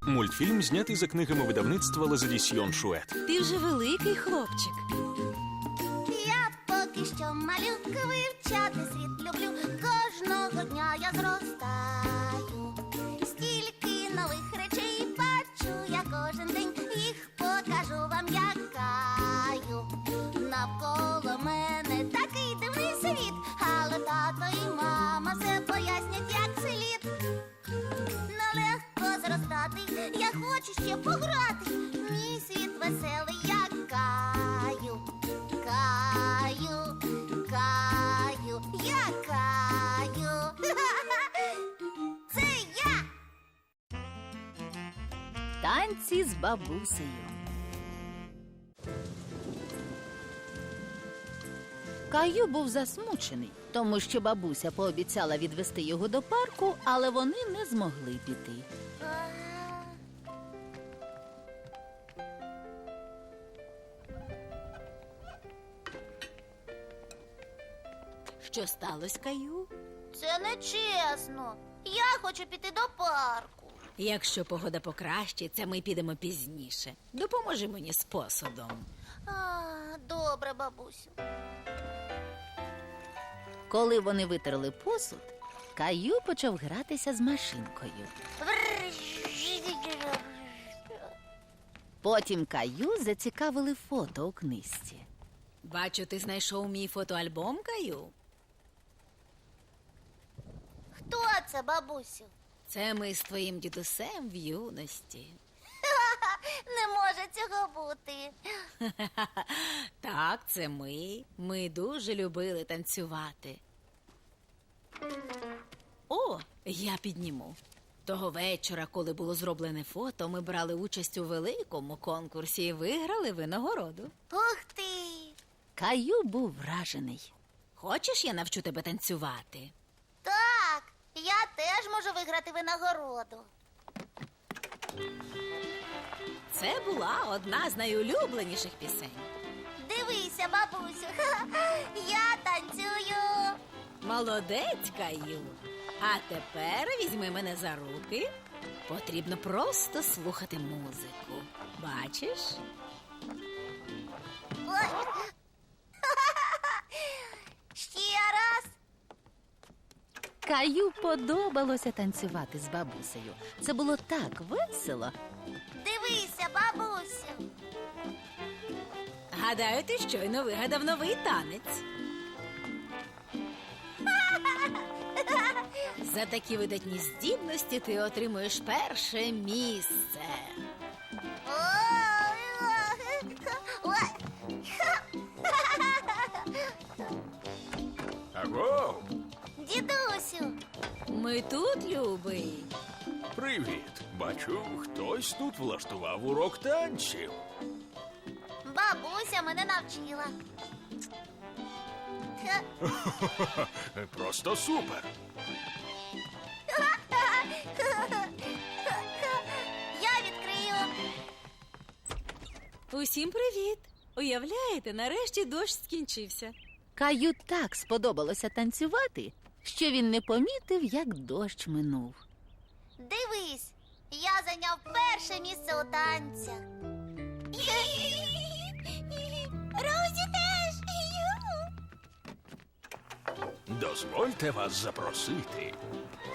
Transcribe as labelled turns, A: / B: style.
A: Мультфільм знятий за книгами видавництва Лазадісьйон Шует.
B: Ти вже великий хлопчик.
C: Я поки що малюка, вивчати світ люблю. Кожного дня я зростаю. Стільки нових речей бачу я кожен день. Їх покажу вам, якаю. Навколо мене такий дивний світ, але тато і мама все пояснять, як слід. Нелегко зростати, я хочу ще пограти. Мій світ веселий, я каю. Каю, каю, я каю. Це я!
B: Танці з бабусею. Каю був засмучений, тому що бабуся пообіцяла відвести його до парку, але вони не змогли піти. Що сталося, Каю?
C: Це нечесно. Я хочу піти до парку.
B: Якщо погода покращиться, ми підемо пізніше. Допоможи мені з посудом.
C: Добре, бабусю.
B: Коли вони витерли посуд, Каю почав гратися з машинкою. Потім Каю зацікавили фото у книжці. Бачу, ти знайшов мій фотоальбом, Каю?
C: Хто це, бабусю?
B: Це ми з твоїм дідусем в юності.
C: Не може цього бути.
B: Так, це ми. Ми дуже любили танцювати. О, я підніму. Того вечора, коли було зроблене фото, ми брали участь у великому конкурсі і виграли винагороду.
C: Ух ти!
B: Каю був вражений. Хочеш, я навчу тебе танцювати?
C: Так, я теж можу виграти винагороду.
B: Це була одна з найулюбленіших пісень.
C: Дивися, бабусю, я танцюю.
B: Молодець, Каю. А тепер візьми мене за руки. Потрібно просто слухати музику. Бачиш?
C: Ой. Ще раз.
B: Каю подобалося танцювати з бабусею. Це було так весело.
C: Дивися, бабусю.
B: Гадаю, ти щойно вигадав новий танець. За такі видатні здібності ти отримуєш перше місце.
A: Аго!
C: Дідусю,
B: Ми тут, любий.
A: Привіт! Бачу, хтось тут влаштував урок танців.
C: бабуся мене навчила.
A: Просто супер!
C: Я відкрию.
B: Усім привіт! Уявляєте, нарешті дощ скінчився. Каю так сподобалося танцювати, що він не помітив, як дощ минув.
C: Дивись, я зайняв перше місце у танцях. Розі теж.
A: Дозвольте вас запросити.